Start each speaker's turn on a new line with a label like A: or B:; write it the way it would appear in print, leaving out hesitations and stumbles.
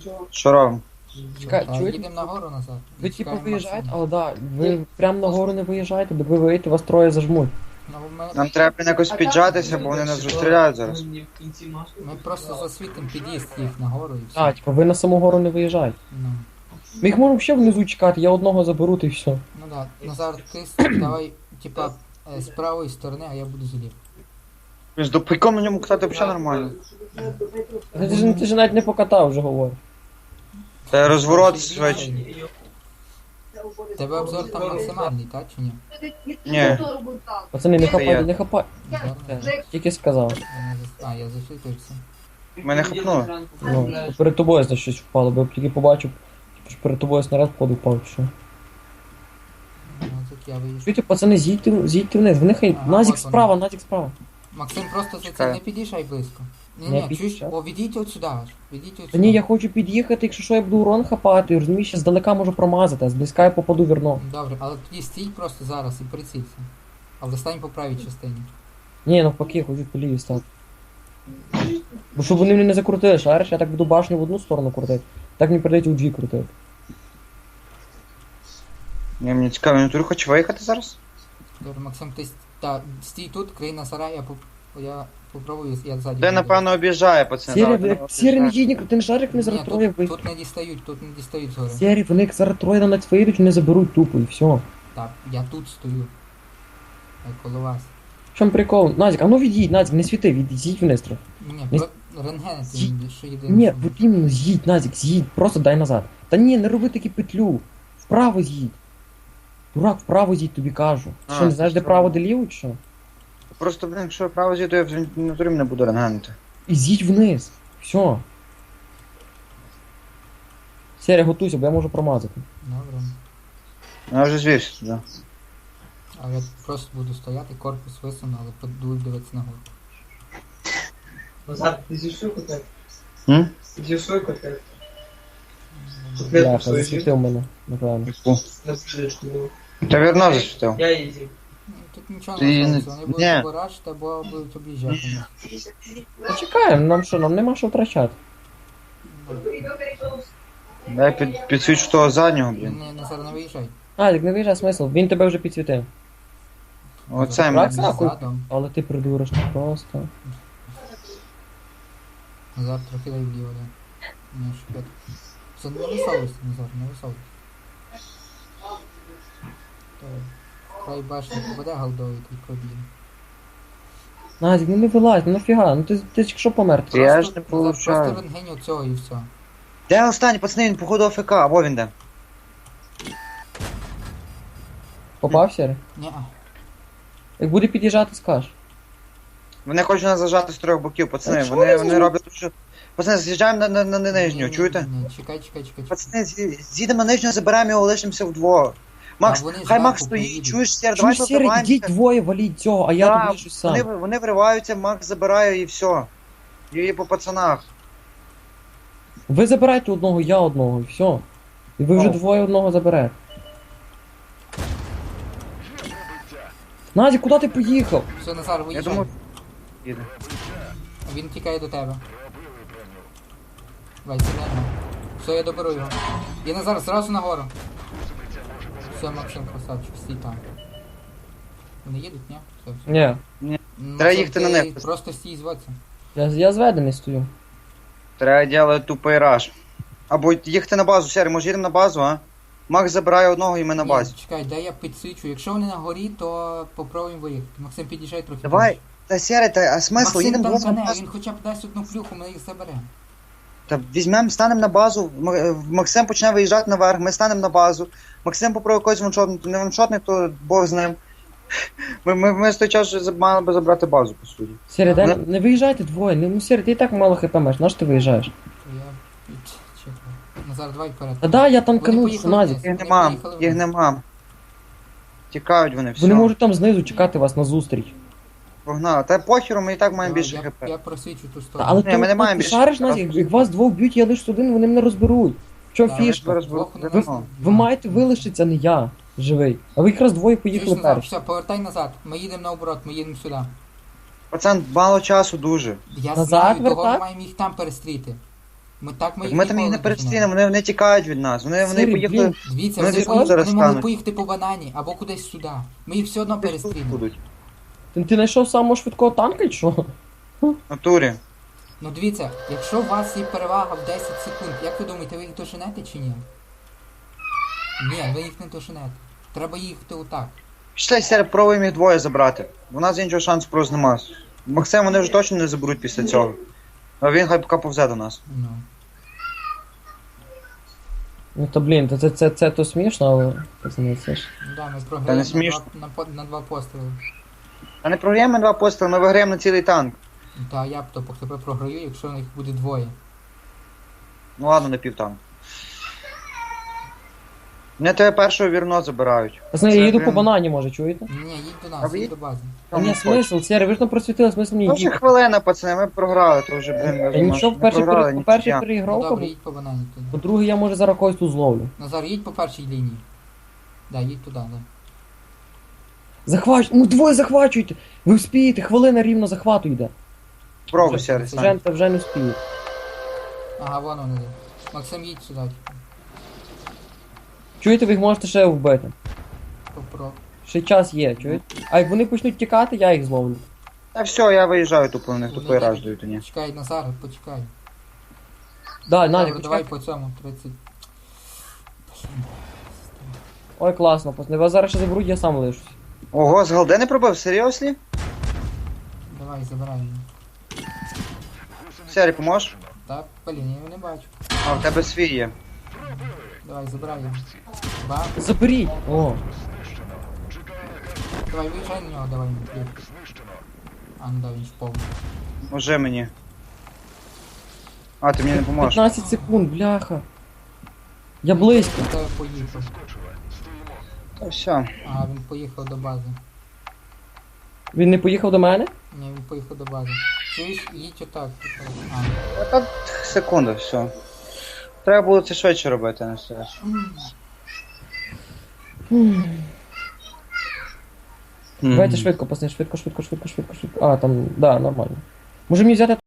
A: Що робимо?
B: Чекай,
C: Та
B: чуєте?
C: їдемо нагору назад.
B: Ви типу
C: Чекаємо
B: виїжджаєте,
C: Максима.
B: але да, ви прям нагору не виїжджаєте, бо ви виїдете, вас троє зажмуть.
C: Ну, ми,
A: Нам треба якось піджатися, бо вони нас розстріляють зараз.
C: ми просто засвітимо під'їзд їх нагору і все.
B: А, типу, ви на саму гору не виїжджаєте.
C: Ну,
B: Ми їх можемо ще внизу чекати, я одного заберу, та й все.
C: ну да. Назар, ти давай, типа, з правої сторони, а я буду зліва.
A: З допайком на ньому катати взагалі нормально.
B: Ти ж навіть не покатав, вже говорю.
A: Та розворот швидше.
C: Тебе обзор там максимальний, так чи ні?
A: Ні.
B: Пацани, не
A: Це я.
B: хапайте, не хапайте.
C: Зараз.
B: Тільки сказав.
C: А, я засвітився.
A: Мене хапнули.
B: Ну, перед тобою за щось впало, бо я тільки побачив, що перед тобою снаряд впаду впав, чи що.
C: Ну, так я виїжджу.
B: Чуєте, пацани, з'їдьте вниз, в них
C: Ага,
B: Назік
C: от вони.
B: справа, Назік справа.
C: Максим, просто за це
A: Чекаю.
C: не під'їжджай близько.
B: Не
C: Ні, чуєш,
B: під'їжджаю.
C: о, відійдіть от сюди аж. Відійдіть от
B: Та
C: сюди.
B: ні, я хочу під'їхати, якщо що я буду урон хапати, розумієш, я здалека можу промазати, а зблизька я попаду вірно.
C: Добре, але тоді стій просто зараз і прицілься. Але стань по правій частині.
B: Ні, навпаки, я хочу по лівій стати. Бо щоб вони мене не закрутили, шариш, я так буду башню в одну сторону крутити, так мені прийдеться у дві крутити.
A: Ні, мені цікаво, він тут хоче виїхати зараз?
C: Добре, Максим, ти стій тут, крий на сарай, я попробую, я ззаді.
A: Де,
C: буду.
A: напевно, об'їжджає, пацани. зараз вони
B: Сірі не
A: об'їжджають.
B: їдь, ти не шарик не
C: Ні,
B: зараз троє
C: тут,
B: вийдуть.
C: тут не дістають згори.
B: Сірі, вони як зараз троє на нас вийдуть, вони заберуть тупо і все.
C: Так, я тут стою. Я коло вас.
B: В чому прикол? Назік, а ну від'їдь, Назік, не світи, з'їдь вниз трохи.
C: Ні,
B: Ні.
C: рентген
B: З'їдь.
C: ти що єдине.
B: Ні,
C: що-
B: от іменно з'їдь, Назік, з'їдь, просто дай назад. Та ні, не роби таку петлю. Вправо з'їдь. Дурак, вправо з'їдь, тобі кажу. Ти що, не знаєш, де право, де ліво, чи що?
A: Просто, блин, якщо я право з'їду, я в натурі не буду рентгенити.
B: І з'їдь вниз. Все. Серія, готуйся, бо я можу промазати.
C: Добре.
A: Я вже звівся туди.
C: А я просто буду стояти, корпус висуну, але буду дивитися нагору.
D: Назар, ти зійшов котлет?
A: М?
D: Зійшов котлет?
B: Бляха,
D: Котлет свою
B: засвітив мене, напевно.
D: на пшечку було.
A: Та вірно засвітив.
D: Я її з'їв.
C: Ну, тут нічого
A: Ти
C: не
A: не-
C: станеться, вони будуть
A: Ні.
C: або рашити, або будуть об'їжджати.
B: Почекаємо, нам що, нам нема що втрачати.
A: Дай підсвічу того заднього, блін.
C: Не виїжджай.
B: Назік, не виїжджай, смисл, він тебе вже підсвітив.
A: Оце
B: Так,
A: мене.
B: нахуй.
C: Задом.
B: Але ти придуриш просто.
C: Назар трохи дай вліво, да. Не шукати. Це не висовуйся, Назар, не висовуйся. Хай башня попаде голдовий, той проб'є.
B: Назік, ну не вилазь, ну нафіга, ну ти що помер?
A: Я ж не
C: Назар,
A: получаю.
C: просто рентгеню цього і все.
A: Де останній, пацани, він походу АФК, або він де.
B: Попав, Сірі?
C: Ні,
B: Як буде під'їжджати, скаж.
A: Вони хочуть нас зажати з трьох боків, пацани.
B: А чого
A: Вони
B: вони
A: роблять що. Пацани, з'їжджаємо на нижню, чуєте?
C: Ні, чекай.
A: Пацани, з'їдемо на нижню, заберемо його, лишимося вдвох. Макс,
C: А вони
A: хай
C: зверху
A: Макс стоїть,
C: поїдуть.
A: чуєш, Сєр,
B: Чуєш,
A: давай
B: Сірі, ідіть
A: побиваємося.
B: двоє, валіть цього, а я
A: Так,
B: тут лишусь сам.
A: Вони вириваються, Макс забирає і все. І по пацанах.
B: Ви забирайте одного, я одного, і все. І ви вже
A: О.
B: двоє одного заберете. Назік, куди ти поїхав?
C: Все, Назар,
A: Я
C: виїжджай.
A: думаю, їде.
C: Він тікає до тебе. Давай, сідаймо. Все, я доберу його. Я Назар, зразу нагору. Все, Максим, красавчик, стій там. Вони їдуть, ні? Все.
B: Ні,
C: Ну,
A: Треба
C: Максим,
A: їхати на
C: ти
A: них.
C: Просто стій зводься.
B: я зведений стою.
A: Треба робити тупий раш. Або їхати на базу, Сєр, може їдемо на базу, а? Макс забирає одного і ми на
C: Ні,
A: базі.
C: чекай, дай я підсвічу. Якщо вони на горі, то попробуємо виїхати. Максим, під'їжджай трохи.
A: Давай,
C: ближче.
A: та Сєре, а смисл,
C: Максим
A: їдемо
C: там
A: двох на
C: мене,
A: базу.
C: він хоча б дасть одну плюху, ми їх заберемо.
A: Та візьмемо, станемо на базу, Максим почне виїжджати наверх, ми станемо на базу. Максим попробує когось ваншотнути, не ваншотник, то Бог з ним. Ми з той час вже мали би забрати базу, по суті.
B: Сірі,
A: Вони-
B: не виїжджайте двоє, ну Сірі, ти і так мало хп маєш, на що ти виїжджаєш?
C: То я чекаю. Назар, давай вперед.
B: Та да, я там
C: Вони
B: канув,
C: поїхали
B: Назік.
C: вниз.
A: Їх
C: Вони
A: нема,
C: поїхали
A: їх
C: вниз.
A: нема. Тікають вони, все.
B: Вони можуть там знизу чекати вас на зустріч.
A: Погнали. Та похеру, ми і так маємо більше
C: Я,
A: хп.
C: я просвічу ту
B: Та,
C: сторону.
B: але
A: Ні, ми не маємо
B: ти
A: більше
B: шариш,
A: хп.
B: Назік, як вас двох б'ють, я лише один, вони мене розберуть. В чому
C: Та,
B: фішка?
A: Зараз
C: Двох вони
A: ви-
C: нас-
B: Ви маєте вилишитися, а не я, живий. А ви якраз двоє
C: Чуєш,
B: поїхали
C: Назар,
B: перші.
C: все, повертай назад. Ми їдемо наоборот, ми їдемо сюди.
A: Пацан, мало часу дуже.
C: Я
B: Назад
C: знаю, того ми
B: вертай?
C: маємо їх там перестріти. Ми
A: Так ми там
C: ніколи
A: їх не
C: доженемо.
A: перестрінемо, вони тікають від нас. Вони
B: Сирі,
A: поїхали.
B: блін.
C: Дивіться,
A: Вони
C: вони,
A: десь тут зараз
C: могли
A: стануть.
C: поїхати по банані або кудись сюди. Ми їх все одно
A: Десь тут
C: перестрінемо.
A: будуть.
B: Ти знайшов самого швидкого танка, чи що?
A: В натурі.
C: Ну дивіться, якщо у вас є перевага в 10 секунд, як ви думаєте, ви їх доженете чи ні? Ні, ви їх не доженете. Треба їхати отак.
A: Пішли, Сері, пробуємо їх двоє забрати. У нас іншого шансу просто нема. Максим вони вже точно не заберуть після цього. А він хай поки повзе до нас.
C: Ну.
B: Ну то блін, це то смішно, але пацани, це ж.
C: Ну да, ми
A: Та
C: програємо
A: не смішно.
C: на два постріли.
A: А не програємо два постріли, ми виграємо на цілий танк.
C: Ну та я б то по тебе програю, якщо їх буде двоє.
A: Ну ладно, на півтанк. Мене тебе першого вірно забирають.
B: Пацани,
A: Це
B: я їду
A: прям-
B: по банані, може, чуєте?
C: Ні, їдь до
A: А
C: нас,
A: ви
C: їдь до бази.
B: А ні, смисл, Сері, ви ж нам просвітили, смисл мені
A: Ну вже
B: їхати.
A: хвилина, пацани, ми програли, то вже, блін,
B: Я нічого, по-перше,
A: нічия.
C: Ну
B: переігровка,
C: добре, їдь по банані тоді.
B: по-друге, я може зараз когось тут зловлю.
C: Назар, їдь по першій лінії. Да, їдь туди, да.
B: Ну двоє захвачуйте! Ви вспієте, хвилина рівно захвату йде.
A: Пробуй, Сері, стань.
B: Вже не вспіє.
C: Ага, вон вони. Максим, їдь сюди.
B: Чуєте, ви їх можете ще вбити.
C: Попро.
B: Ще час є, чуєте? А як вони почнуть тікати, я їх зловлю.
A: Та все, я виїжджаю тупо, в них
C: Вони
A: тупий раж
C: їдуть.
A: дають, ні.
C: Чекай, Назар, почекай.
B: Да, Надя,
C: Добре, давай
B: почекай.
C: по цьому 30.
B: Ой, класно, пацани, вас зараз ще заберуть, я сам лишусь.
A: Ого, з голди не пробив, серйозно?
C: Давай, забирай її.
A: Сері, поможеш?
C: Так, блін, я його не бачу.
A: А, в тебе свій є.
C: Давай, забирай її. Ба.
B: Заберіть! О,
C: Давай, виїжджай на нього, давай йому кліп. А, ну да, він впав.
A: Може мені. А, ти мені не поможеш.
B: 15 секунд, бляха. Я близько.
C: До тебе поїхав.
A: Та все.
C: Ага, він поїхав до бази.
B: Він не поїхав до мене?
C: Ні, він поїхав до бази. Чуєш, їдь отак. А,
A: А та секунда, все. Треба було це швидше робити, не все.
B: Давайте швидко, пацани, швидко. А, там, да, нормально. Може мені взяти